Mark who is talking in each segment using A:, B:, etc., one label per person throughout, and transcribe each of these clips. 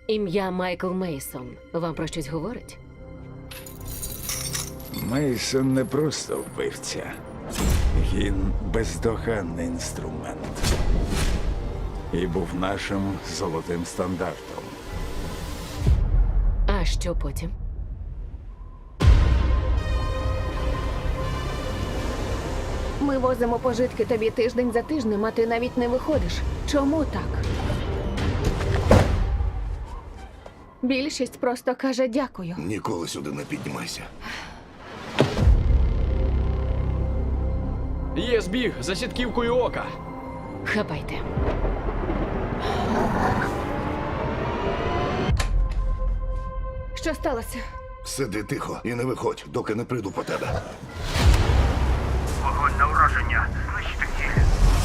A: Ім'я Майкл Мейсон вам про щось говорить?
B: Мейсон не просто вбивця. Він бездоганний інструмент. І був нашим золотим стандартом.
A: А що потім?
C: Ми возимо пожитки тобі тиждень за тижнем, а ти навіть не виходиш. Чому так? Більшість просто каже дякую.
D: Ніколи сюди не піднімайся.
E: Є збіг за сітківкою ока.
A: Хапайте.
C: Що сталося?
D: Сиди тихо і не виходь, доки не прийду по тебе.
F: Вогонь на ураження. Знищити ціль.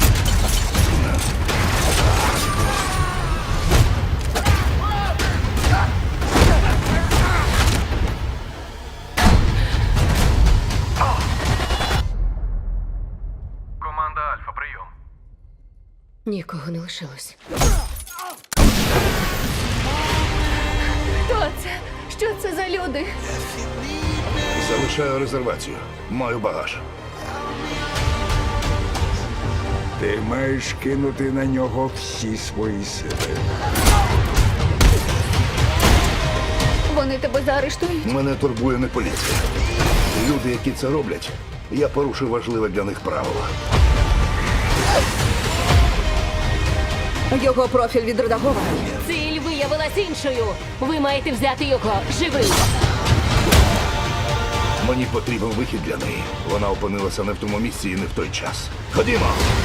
F: Команда Альфа, прийом.
A: Нікого не лишилось.
C: Хто це? Що це за люди?
D: Залишаю резервацію. Маю багаж.
B: Ти маєш кинути на нього всі свої сили.
C: Вони тебе заарештують?
D: Мене турбує не поліція. Люди, які це роблять, я порушив важливе для них правило.
C: Його профіль відредагований.
A: Ціль виявилась іншою. Ви маєте взяти його живим.
D: Мені потрібен вихід для неї. Вона опинилася не в тому місці і не в той час. Ходімо!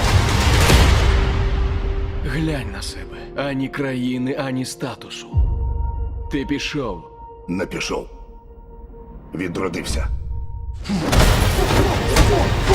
E: Глянь на себе. Ані країни, ані статусу. Ти пішов.
D: Не пішов. Відродився.